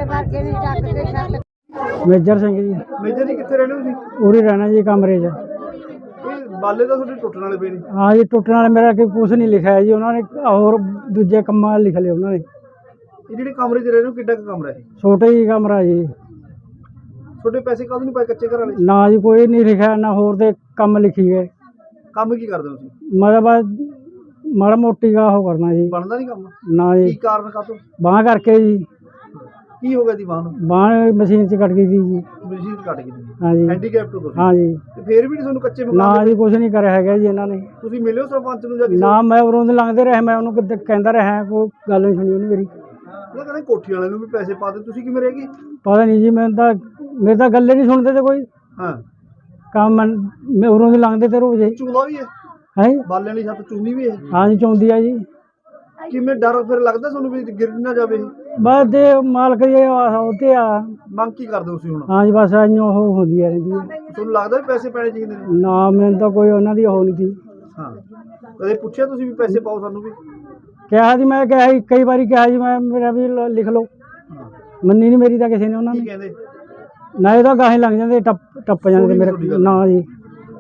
ਮੇਜਰ ਸਿੰਘ ਜੀ,
ਮੇਜਰ ਜੀ ਕਿੱਥੇ ਰਹਿੰਦੇ ਹੋ ਤੁਸੀਂ?
ਉਰੀ ਰਹਿਣਾ ਜੀ ਕਮਰੇ 'ਚ।
ਇਹ ਬਾਲੇ ਤਾਂ ਤੁਹਾਡੇ ਟੁੱਟਣ ਵਾਲੇ ਪਏ ਨੇ।
ਹਾਂ ਜੀ, ਟੁੱਟਣ ਵਾਲੇ ਮੇਰਾ ਕਿ ਕੁਛ ਨਹੀਂ ਲਿਖਿਆ ਹੈ ਜੀ, ਉਹਨਾਂ ਨੇ ਹੋਰ ਦੂਜੇ ਕੰਮਾਂ ਲਿਖ ਲਏ ਉਹਨਾਂ ਨੇ।
ਇਹ ਜਿਹੜੇ ਕਮਰੇ 'ਚ ਰਹਿ ਰਹੇ ਹੋ, ਕਿੱਡਾ ਕੁ ਕਮਰਾ ਹੈ?
ਛੋਟੇ ਹੀ ਕਮਰਾ ਜੀ।
ਤੁਹਾਡੇ ਪੈਸੇ ਕਾਹਦੋਂ ਨਹੀਂ ਪਾਏ ਕੱਚੇ ਘਰ ਵਾਲੇ?
ਨਾ ਜੀ ਕੋਈ ਨਹੀਂ ਲਿਖਿਆ, ਨਾ ਹੋਰ ਦੇ ਕੰਮ ਲਿਖੀ ਗਏ।
ਕੰਮ ਕੀ ਕਰਦੇ ਹੋ ਤੁਸੀਂ?
ਮਤਲਬ ਮਾੜਾ ਮੋਟੀ ਦਾ ਉਹ ਕਰਨਾ ਜੀ।
ਬਣਦਾ ਨਹੀਂ ਕੰਮ?
ਨਾ
ਕੀ
ਜੀ,
ਕਾਰਨ ਕਾਹਤੋਂ?
ਬਾਂਹ ਕਰਕੇ ਜੀ।
ਕੀ ਹੋ ਗਿਆ ਦੀ ਬਾਂਹ ਨੂੰ?
ਬਾਂਹ ਮਸ਼ੀਨ 'ਚ ਕੱਟ ਗਈ ਸੀ ਜੀ।
ਮਸ਼ੀਨ ਕੱਟ ਗਈ ਤੁਸੀਂ?
ਹਾਂ ਜੀ।
ਹੈਂਡੀਕੈਪ ਤੋਂ ਤੁਸੀਂ?
ਹਾਂ ਜੀ।
ਤੇ ਫੇਰ ਵੀ ਨਹੀਂ ਤੁਹਾਨੂੰ ਕੱਚੇ
ਨਾ
ਮਕਾਨ
ਜੀ, ਕੁਛ ਨਹੀਂ ਕਰਿਆ ਹੈਗਾ ਜੀ ਇਹਨਾਂ ਨੇ।
ਤੁਸੀਂ ਮਿਲਿਓ ਸਰਪੰਚ ਨੂੰ ਜਾਂ ਕਿਸੇ
ਨਾ, ਮੈਂ ਉਰੋਂ ਦੇ ਲੰਘਦੇ ਰਹੇ, ਮੈਂ ਉਹਨੂੰ ਕਿਤੇ ਕਹਿੰਦਾ ਰਿਹਾ, ਕੋਈ ਗੱਲ ਨਹੀਂ ਸੁਣੀ ਉਹਨੇ ਮੇਰੀ।
ਉਹ ਕਹਿੰਦੇ ਕੋਠੀ ਵਾਲਿਆਂ ਨੂੰ ਵੀ ਪੈਸੇ ਪਾ ਦੇ, ਤੁਸੀਂ ਕਿਵੇਂ ਰਹਿ ਗਏ?
ਪਤਾ ਨਹੀਂ ਜੀ, ਮੈਂ ਤਾਂ ਮੇਰੇ ਤਾਂ ਗੱਲੇ ਨਹੀਂ ਸੁਣਦੇ ਤੇ ਕੋਈ
ਹਾਂ।
ਕੰਮ। ਮੈਂ ਮੈਂ ਉਰੋਂ ਦੇ ਲੰਘਦੇ ਤੇ ਰੋਜ਼
ਚੂਲਾ ਵੀ ਹੈ?
ਹੈ।
ਬਾਲਿਆਂ ਦੀ ਛੱਤ ਚੂਨੀ ਵੀ ਹੈ?
ਹਾਂ ਜੀ, ਚੌਂਦੀ ਆ ਜੀ।
ਕਿਵੇਂ ਡਰ ਫਿਰ ਲੱਗਦਾ ਤੁਹਾਨੂੰ ਵੀ ਗਿਰ ਨਾ ਜਾਵੇ ਇਹ?
ਬਸ ਦੇ ਮਾਲਕ ਜੀ ਉਹਤੇ ਆ।
ਮੰਗ ਕੀ ਕਰਦੇ ਹੋ ਤੁਸੀਂ ਹੁਣ?
ਹਾਂ ਜੀ, ਬਸ ਐਂ ਉਹ ਹੁੰਦੀ ਆ ਰਹਿੰਦੀ ਹੈ।
ਤੁਹਾਨੂੰ ਲੱਗਦਾ ਵੀ ਪੈਸੇ ਪੈਣੇ ਚਾਹੀਦੇ ਨੇ?
ਨਾ, ਮੈਨੂੰ ਤਾਂ ਕੋਈ ਉਹਨਾਂ ਦੀ ਉਹ ਨਹੀਂ ਸੀ।
ਹਾਂ। ਕਦੇ ਪੁੱਛਿਆ ਤੁਸੀਂ ਵੀ ਪੈਸੇ ਪਾਓ ਸਾਨੂੰ ਵੀ?
ਕਿਹਾ ਜੀ, ਮੈਂ ਕਿਹਾ ਸੀ ਕਈ ਵਾਰੀ, ਕਿਹਾ ਜੀ ਮੈਂ, ਮੇਰਾ ਵੀ ਲ- ਲਿਖ ਲਓ। ਮੰਨੀ ਨਹੀਂ ਮੇਰੀ ਤਾਂ ਕਿਸੇ ਨੇ ਉਹਨਾਂ
ਕੀ
ਨੇ।
ਕਹਿੰਦੇ?
ਨਾ ਇਹ ਤਾਂ ਗਾਹੇ ਲੱਗ ਜਾਂਦੇ, ਟੱਪ ਟੱਪ ਜਾਂਦੇ
ਸੁਣੀ
ਮੇਰੇ।
ਤੁਹਾਡੀ ਗੱਲ।
ਨਾ ਜੀ।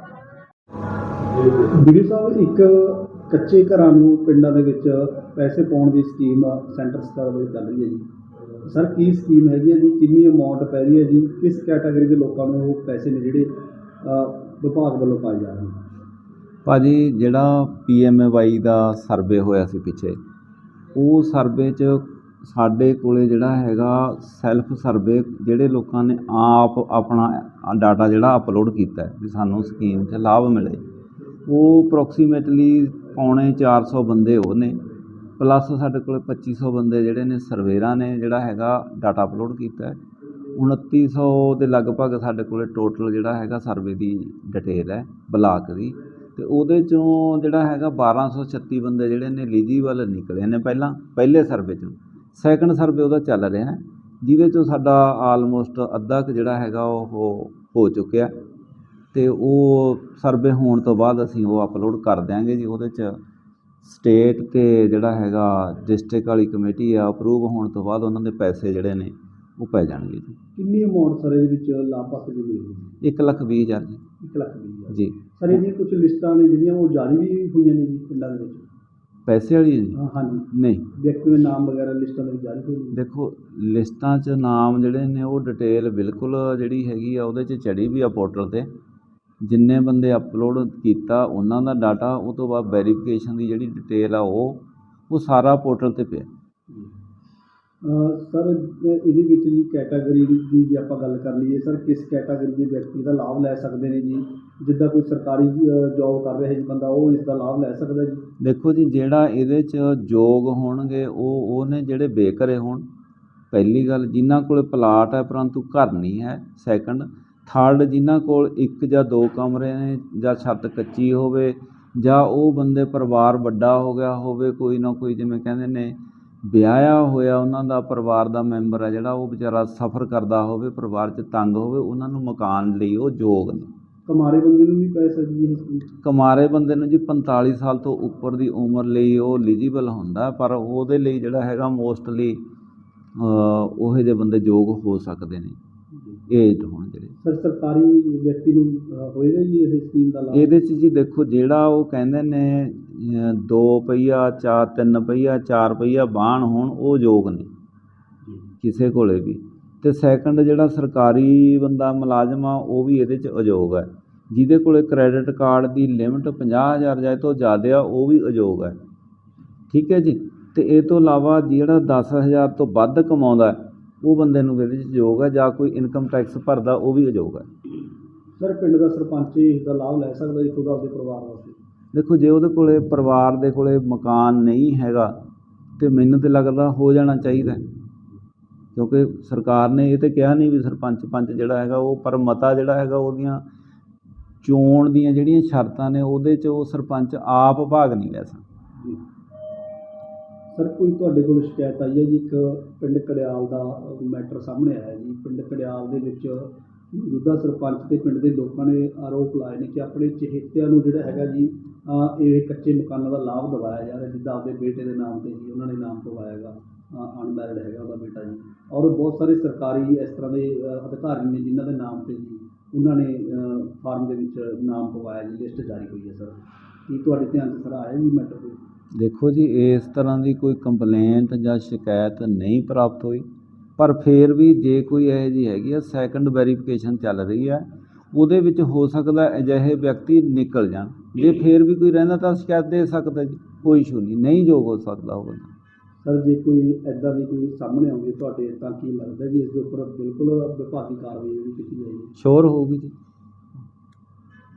ਵੀਡੀਓ ਸਾਹਿਬ, ਇੱਕ ਕੱਚੇ ਘਰਾਂ ਨੂੰ ਪਿੰਡਾਂ ਦੇ ਵਿੱਚ ਪੈਸੇ ਪਾਉਣ ਦੀ ਸਕੀਮ ਸੈਂਟਰ ਸਰਕਾਰ ਵੱਲੋਂ ਚੱਲ ਰਹੀ ਹੈ ਜੀ। ਸਰ, ਕੀ ਸਕੀਮ ਹੈਗੀ ਹੈ ਜੀ? ਕਿੰਨੀ ਅਮਾਉਂਟ ਪੈ ਰਹੀ ਹੈ ਜੀ? ਕਿਸ ਕੈਟਾਗਰੀ ਦੇ ਲੋਕਾਂ ਨੂੰ ਉਹ ਪੈਸੇ ਨੇ ਜਿਹੜੇ ਵਿਭਾਗ ਵੱਲੋਂ ਪਾਏ ਜਾ ਰਹੇ ਨੇ?
ਭਾਜੀ, ਜਿਹੜਾ ਪੀ ਐਮ ਏ ਵਾਈ ਦਾ ਸਰਵੇ ਹੋਇਆ ਸੀ ਪਿੱਛੇ, ਉਹ ਸਰਵੇ 'ਚ ਸਾਡੇ ਕੋਲੇ ਜਿਹੜਾ ਹੈਗਾ ਸੈਲਫ ਸਰਵੇ, ਜਿਹੜੇ ਲੋਕਾਂ ਨੇ ਆਪ ਆਪਣਾ ਡਾਟਾ ਜਿਹੜਾ ਅਪਲੋਡ ਕੀਤਾ ਹੈ ਵੀ ਸਾਨੂੰ ਸਕੀਮ 'ਚ ਲਾਭ ਮਿਲੇ, ਉਹ ਅਪਰੋਕਸੀਮੇਟਲੀ ਪੌਣੇ ਚਾਰ ਸੌ ਬੰਦੇ ਉਹ ਨੇ, ਪਲੱਸ ਸਾਡੇ ਕੋਲ ਪੱਚੀ ਸੌ ਬੰਦੇ ਜਿਹੜੇ ਨੇ ਸਰਵੇਰਾਂ ਨੇ ਜਿਹੜਾ ਹੈਗਾ ਡਾਟਾ ਅਪਲੋਡ ਕੀਤਾ ਹੈ। ਉਨੱਤੀ ਸੌ ਦੇ ਲਗਭਗ ਸਾਡੇ ਕੋਲ ਟੋਟਲ ਜਿਹੜਾ ਹੈਗਾ ਸਰਵੇ ਦੀ ਡਿਟੇਲ ਹੈ ਬਲਾਕ ਦੀ, ਅਤੇ ਉਹਦੇ 'ਚੋਂ ਜਿਹੜਾ ਹੈਗਾ ਬਾਰਾਂ ਸੌ ਛੱਤੀ ਬੰਦੇ ਜਿਹੜੇ ਨੇ ਐਲੀਜੀਬਲ ਨਿਕਲੇ ਨੇ ਪਹਿਲਾਂ ਪਹਿਲੇ ਸਰਵੇ 'ਚੋਂ। ਸੈਕਿੰਡ ਸਰਵੇ ਉਹਦਾ ਚੱਲ ਰਿਹਾ, ਜਿਹਦੇ 'ਚੋਂ ਸਾਡਾ ਆਲਮੋਸਟ ਅੱਧਾ ਕੁ ਜਿਹੜਾ ਹੈਗਾ ਉਹ ਹੋ ਚੁੱਕਿਆ, ਅਤੇ ਉਹ ਸਰਵੇ ਹੋਣ ਤੋਂ ਬਾਅਦ ਅਸੀਂ ਉਹ ਅਪਲੋਡ ਕਰ ਦਿਆਂਗੇ ਜੀ। ਉਹਦੇ 'ਚ ਸਟੇਟ ਅਤੇ ਜਿਹੜਾ ਹੈਗਾ ਡਿਸਟ੍ਰਿਕਟ ਵਾਲੀ ਕਮੇਟੀ ਆ, ਅਪਰੂਵ ਹੋਣ ਤੋਂ ਬਾਅਦ ਉਹਨਾਂ ਦੇ ਪੈਸੇ ਜਿਹੜੇ ਨੇ ਉਹ ਪੈ ਜਾਣਗੇ ਜੀ।
ਕਿੰਨੀ ਅਮਾਉਂਟ ਸਰ ਇਹਦੇ ਵਿੱਚ ਲਾਭਪਾਤਰੀ ਦੀ ਮਿਲੇਗੀ?
ਇੱਕ ਲੱਖ ਵੀਹ ਹਜ਼ਾਰ ਜੀ।
ਇੱਕ ਲੱਖ ਵੀਹ ਹਜ਼ਾਰ
ਜੀ।
ਸਰ, ਇਹਦੀਆਂ ਕੁਝ ਲਿਸਟਾਂ ਨੇ ਜਿਹੜੀਆਂ ਉਹ ਜਾਰੀ ਵੀ ਹੋਈਆਂ ਨੇ ਜੀ ਪਿੰਡਾਂ ਦੇ ਵਿੱਚ?
ਪੈਸੇ ਵਾਲੀ ਜੀ?
ਹਾਂ ਹਾਂਜੀ।
ਨਹੀਂ,
ਵਿਅਕਤੀ ਦੇ ਨਾਮ ਵਗੈਰਾ ਲਿਸਟਾਂ ਦੇ ਵਿੱਚ ਜਾਰੀ ਹੋਏ ਨੇ?
ਦੇਖੋ, ਲਿਸਟਾਂ 'ਚ ਨਾਮ ਜਿਹੜੇ ਨੇ ਉਹ ਡਿਟੇਲ ਬਿਲਕੁਲ ਜਿਹੜੀ ਹੈਗੀ ਆ ਉਹਦੇ 'ਚ ਚੜੀ ਵੀ ਆ ਪੋਰਟਲ 'ਤੇ। ਜਿੰਨੇ ਬੰਦੇ ਅਪਲੋਡ ਕੀਤਾ ਉਹਨਾਂ ਦਾ ਡਾਟਾ, ਉਹ ਤੋਂ ਬਾਅਦ ਵੈਰੀਫਿਕੇਸ਼ਨ ਦੀ ਜਿਹੜੀ ਡਿਟੇਲ ਆ ਉਹ ਉਹ ਸਾਰਾ ਪੋਰਟਲ 'ਤੇ ਪਿਆ।
ਸਰ, ਇਹਦੇ ਵਿੱਚ ਜੀ ਕੈਟਾਗਰੀ ਦੀ ਜੇ ਆਪਾਂ ਗੱਲ ਕਰ ਲਈਏ ਸਰ, ਕਿਸ ਕੈਟਾਗਰੀ ਦੇ ਵਿਅਕਤੀ ਦਾ ਲਾਭ ਲੈ ਸਕਦੇ ਨੇ ਜੀ? ਜਿੱਦਾਂ ਕੋਈ ਸਰਕਾਰੀ ਜੋਬ ਕਰ ਰਿਹਾ ਜੀ ਬੰਦਾ, ਉਹ ਇਸ ਦਾ ਲਾਭ ਲੈ ਸਕਦਾ ਜੀ?
ਦੇਖੋ ਜੀ, ਜਿਹੜਾ ਇਹਦੇ 'ਚ ਯੋਗ ਹੋਣਗੇ ਉਹ ਉਹ ਨੇ ਜਿਹੜੇ ਬੇਘਰੇ ਹੋਣ, ਪਹਿਲੀ ਗੱਲ, ਜਿਨ੍ਹਾਂ ਕੋਲ ਪਲਾਟ ਹੈ ਪਰੰਤੂ ਘਰ ਨਹੀਂ ਹੈ, ਸੈਕੰਡ, ਥਰਡ, ਜਿਨ੍ਹਾਂ ਕੋਲ ਇੱਕ ਜਾਂ ਦੋ ਕਮਰੇ ਨੇ ਜਾਂ ਛੱਤ ਕੱਚੀ ਹੋਵੇ, ਜਾਂ ਉਹ ਬੰਦੇ ਪਰਿਵਾਰ ਵੱਡਾ ਹੋ ਗਿਆ ਹੋਵੇ, ਕੋਈ ਨਾ ਕੋਈ ਜਿਵੇਂ ਕਹਿੰਦੇ ਨੇ ਵਿਆਹਿਆ ਹੋਇਆ ਉਹਨਾਂ ਦਾ ਪਰਿਵਾਰ ਦਾ ਮੈਂਬਰ ਹੈ ਜਿਹੜਾ ਉਹ ਵਿਚਾਰਾ ਸਫ਼ਰ ਕਰਦਾ ਹੋਵੇ, ਪਰਿਵਾਰ 'ਚ ਤੰਗ ਹੋਵੇ, ਉਹਨਾਂ ਨੂੰ ਮਕਾਨ ਲਈ ਉਹ ਯੋਗ ਨੇ।
ਕਮਾਰੇ ਬੰਦੇ ਨੂੰ ਨਹੀਂ ਪੈ ਸਕਦੀ ਇਹ ਸਕੀਮ?
ਕਮਾਰੇ ਬੰਦੇ ਨੂੰ ਜੀ ਪੰਤਾਲੀ ਸਾਲ ਤੋਂ ਉੱਪਰ ਦੀ ਉਮਰ ਲਈ ਉਹ ਐਲੀਜੀਬਲ ਹੁੰਦਾ, ਪਰ ਉਹਦੇ ਲਈ ਜਿਹੜਾ ਹੈਗਾ ਮੋਸਟਲੀ ਉਹੋ ਜਿਹੇ ਬੰਦੇ ਯੋਗ ਹੋ ਸਕਦੇ ਨੇ। ਏਜਡ ਹੋਣ ਜਿਹੜੇ।
ਸਰ ਸਰਕਾਰੀ ਵਿਅਕਤੀ ਨੂੰ ਅ, ਹੋਏਗਾ ਜੀ ਇਸ ਸਕੀਮ ਦਾ ਲਾਭ?
ਇਹਦੇ 'ਚ ਜੀ ਦੇਖੋ, ਜਿਹੜਾ ਉਹ ਕਹਿੰਦੇ ਨੇ ਅ, ਦੋ ਪਹੀਆ ਚਾਰ ਤਿੰਨ ਪਹੀਆ ਚਾਰ ਪਹੀਆ ਵਾਹਨ ਹੋਣ ਉਹ ਯੋਗ ਨੇ ਕਿਸੇ ਕੋਲੇ ਵੀ। ਤੇ ਸੈਕੰਡ ਜਿਹੜਾ ਸਰਕਾਰੀ ਬੰਦਾ ਮੁਲਾਜ਼ਮ ਆ ਉਹ ਵੀ ਇਹਦੇ 'ਚ ਅਯੋਗ ਹੈ। ਜਿਹਦੇ ਕੋਲੇ ਕ੍ਰੈਡਿਟ ਕਾਰਡ ਦੀ ਲਿਮਟ ਪੰਜਾਹ ਹਜ਼ਾਰ ਜਾਏ ਤੋਂ ਜ਼ਿਆਦਾ ਆ ਉਹ ਵੀ ਅਯੋਗ ਹੈ। ਠੀਕ ਹੈ ਜੀ। ਤੇ ਇਹ ਤੋਂ ਇਲਾਵਾ ਜਿਹੜਾ ਦਸ ਹਜ਼ਾਰ ਤੋਂ ਵੱਧ ਕਮਾਉਂਦਾ ਉਹ ਬੰਦੇ ਨੂੰ ਇਹਦੇ 'ਚ ਯੋਗ ਹੈ, ਜਾਂ ਕੋਈ ਇਨਕਮ ਟੈਕਸ ਭਰਦਾ ਉਹ ਵੀ ਅਯੋਗ ਹੈ।
ਸਰ ਪਿੰਡ ਦਾ ਸਰਪੰਚ ਇਸ ਦਾ ਲਾਭ ਲੈ ਸਕਦਾ ਜੀ ਖੁਦ ਆਪਦੇ ਪਰਿਵਾਰ ਵਾਸਤੇ?
ਦੇਖੋ, ਜੇ ਉਹਦੇ ਕੋਲੇ ਪਰਿਵਾਰ ਦੇ ਕੋਲੇ ਮਕਾਨ ਨਹੀਂ ਹੈਗਾ ਤੇ ਮੈਨੂੰ ਤਾਂ ਲੱਗਦਾ ਹੋ ਜਾਣਾ ਚਾਹੀਦਾ, ਕਿਉਂਕਿ ਸਰਕਾਰ ਨੇ ਇਹ ਤਾਂ ਕਿਹਾ ਨਹੀਂ ਵੀ ਸਰਪੰਚ ਪੰਚ ਜਿਹੜਾ ਹੈਗਾ ਉਹ, ਪਰ ਮਤਾ ਜਿਹੜਾ ਹੈਗਾ ਉਹਦੀਆਂ ਚੋਣ ਦੀਆਂ ਜਿਹੜੀਆਂ ਸ਼ਰਤਾਂ ਨੇ ਉਹਦੇ 'ਚ ਉਹ ਸਰਪੰਚ ਆਪ ਭਾਗ ਨਹੀਂ ਲੈ ਸਕਦਾ।
ਸਰ ਕੋਈ ਤੁਹਾਡੇ ਕੋਲ ਸ਼ਿਕਾਇਤ ਆਈ ਹੈ ਜੀ, ਇੱਕ ਪਿੰਡ ਕੜਿਆਲ ਦਾ ਮੈਟਰ ਸਾਹਮਣੇ ਆਇਆ ਜੀ। ਪਿੰਡ ਕੜਿਆਲ ਦੇ ਵਿੱਚ ਮੌਜੂਦਾ ਸਰਪੰਚ ਤੇ ਪਿੰਡ ਦੇ ਲੋਕਾਂ ਨੇ ਆਰੋਪ ਲਾਏ ਨੇ ਕਿ ਆਪਣੇ ਚਹੇਤਿਆਂ ਨੂੰ ਜਿਹੜਾ ਹੈਗਾ ਜੀ ਅਹ ਇਹ ਕੱਚੇ ਮਕਾਨਾਂ ਦਾ ਲਾਭ ਦਿਵਾਇਆ ਜਾ ਰਿਹਾ, ਜਿੱਦਾਂ ਆਪਦੇ ਬੇਟੇ ਦੇ ਨਾਮ ਤੇ ਜੀ ਉਹਨਾਂ ਨੇ ਨਾਮ ਪਵਾਇਆ ਹੈਗਾ, ਅਨਮੈਰਿਡ ਹੈਗਾ ਉਹਦਾ ਬੇਟਾ ਜੀ। ਔਰ ਬਹੁਤ ਸਾਰੇ ਸਰਕਾਰੀ ਇਸ ਤਰ੍ਹਾਂ ਦੇ ਅਹ ਅਧਿਕਾਰੀ ਨੇ ਜਿਨ੍ਹਾਂ ਦੇ ਨਾਮ ਤੇ ਜੀ ਉਹਨਾਂ ਨੇ ਫਾਰਮ ਦੇ ਵਿੱਚ ਨਾਮ ਪਵਾਇਆ ਜੀ, ਲਿਸਟ ਜਾਰੀ ਹੋਈ ਹੈ। ਸਰ ਕੀ ਤੁਹਾਡੇ ਧਿਆਨ 'ਚ ਸਰ ਆਇਆ ਜੀ ਮੈਟਰ ਕੋਈ?
ਦੇਖੋ ਜੀ, ਇਸ ਤਰ੍ਹਾਂ ਦੀ ਕੋਈ ਕੰਪਲੇਂਟ ਜਾਂ ਸ਼ਿਕਾਇਤ ਨਹੀਂ ਪ੍ਰਾਪਤ ਹੋਈ, ਪਰ ਫਿਰ ਵੀ ਜੇ ਕੋਈ ਇਹੋ ਜਿਹੀ ਹੈਗੀ ਆ ਸੈਕੰਡ ਵੈਰੀਫਿਕੇਸ਼ਨ ਚੱਲ ਰਹੀ ਹੈ, ਉਹਦੇ ਵਿੱਚ ਹੋ ਸਕਦਾ ਅਜਿਹੇ ਵਿਅਕਤੀ ਨਿਕਲ ਜਾਣ। ਜੇ ਫਿਰ ਵੀ ਕੋਈ ਰਹਿੰਦਾ ਤਾਂ ਸ਼ਿਕਾਇਤ ਦੇ ਸਕਦਾ ਜੀ, ਕੋਈ ਇਸ਼ੂ ਨਹੀਂ, ਨਹੀਂ ਯੋਗ ਹੋ ਸਕਦਾ ਉਹ ਬੰਦਾ।
ਸਰ ਜੇ ਕੋਈ ਇੱਦਾਂ ਦੀ ਕੋਈ ਸਾਹਮਣੇ ਆਉਂਦੀ ਤੁਹਾਡੇ ਤਾਂ ਕੀ ਲੱਗਦਾ ਜੀ ਇਸ ਦੇ ਉੱਪਰ ਬਿਲਕੁਲ ਵਿਭਾਗੀ ਕਾਰਵਾਈ ਵੀ ਕੀਤੀ ਜਾਏਗੀ?
ਸ਼ੋਰ ਹੋਊਗੀ ਜੀ।